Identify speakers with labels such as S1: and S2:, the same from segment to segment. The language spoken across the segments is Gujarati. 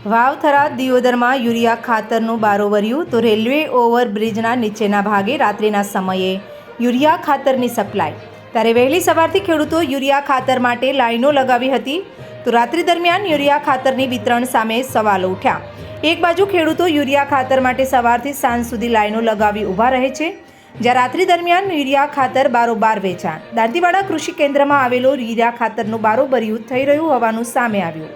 S1: વાવથરા દિયોદરમાં યુરિયા ખાતરનું બારોવર્યું તો રેલવે ઓવરબ્રિજના નીચેના ભાગે રાત્રિના સમયે યુરિયા ખાતરની સપ્લાય. ત્યારે વહેલી સવારથી ખેડૂતો યુરિયા ખાતર માટે લાઈનો લગાવી હતી. તો રાત્રિ દરમિયાન યુરિયા ખાતરની વિતરણ સામે સવાલો ઉઠ્યા. એક બાજુ ખેડૂતો યુરિયા ખાતર માટે સવારથી સાંજ સુધી લાઈનો લગાવી ઊભા રહે છે, જ્યાં રાત્રિ દરમિયાન યુરિયા ખાતર બારોબાર વેચાણ. દાંતીવાડા કૃષિ કેન્દ્રમાં આવેલો યુરિયા ખાતરનું બારોબર્યું થઈ રહ્યું હોવાનું સામે આવ્યું.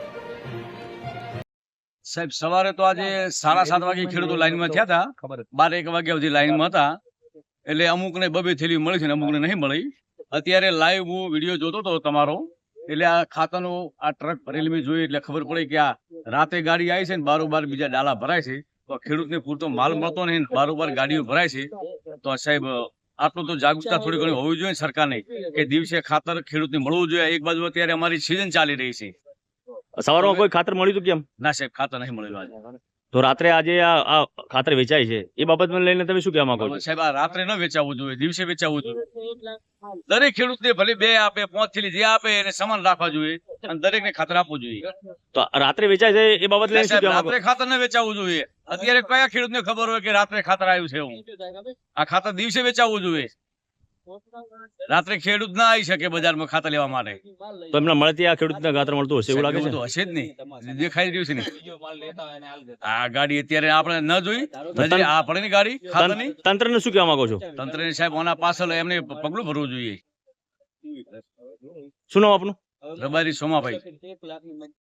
S2: સાહેબ સવારે તો આજે 7:30 વાગે ખેડૂતો લાઈનમાં થયા હતા. 12-1 વાગ્યા સુધી લાઈનમાં હતા. એટલે અમુકને 2-2 થેલી મળી છે ને અમુકને નહીં મળી. અત્યારે લાઈવ હું વિડીયો જોતો હતો તમારો, એટલે આ ખાતરનો આ ટ્રક ભરેલી મેં જોઈ એટલે ખબર પડી કે આ રાતે ગાડી આવી છે ને બારોબાર બીજા ડાલા ભરાય છે. તો ખેડૂતને પૂરતો માલ મળતો નહીં, બારોબાર ગાડીઓ ભરાય છે. તો સાહેબ આટલું તો જાગૃતતા થોડી ઘણી હોવી જોઈએ સરકારને કે દિવસે ખાતર ખેડૂતને મળવું જોઈએ. એક બાજુ અત્યારે અમારી સિઝન ચાલી રહી છે.
S3: સવારમાં કોઈ ખાતર મળ્યું હતું કેમ?
S2: ના સાહેબ, ખાતર નહીં મળેલું આજે.
S3: તો રાત્રે આજે આ ખાતર વેચાય છે એ બાબતને લઈને તમે શું કહેવા માંગો છો?
S2: સાહેબ આ રાત્રે ન વેચાવવું જોઈએ, દિવસે વેચાવવું જોઈએ. દરેક ખેડૂતને ભલે 2 આપે 5 થેલી જે આપે એને સમાન રાખવા જોઈએ અને દરેકને ખાતર આપવું જોઈએ.
S3: તો રાત્રે વેચાય છે એ બાબત લઈને શું કહેવા માંગો?
S2: રાત્રે ખાતર ન વેચાવવું જોઈએ. અત્યારે કયા ખેડૂતને ખબર હોય કે રાત્રે ખાતર આવ્યું છે? હું આ ખાતર દિવસે વેચાવવું જોઈએ. રાત્રે ખેડૂત ના આવી શકે બજારમાં ખાતર લેવા માટે.
S3: તો એમના મળતી આ ખેડૂતને ખાતર મળતું હશે એવું લાગે છે?
S2: તો હશે જ નહીં, દેખાઈ રહ્યું છે ને. આ ગાડી અત્યારે આપણે ન જોઈ, આ પડે ગાડી ખાતરની.
S3: તંત્રને શું કહેવા માંગો છો?
S2: તંત્રને સાહેબ આના પાછળ એમને પગલું ભરવું જોઈએ.
S3: શું નામ આપનું?
S2: રબારી સોમાભાઈ.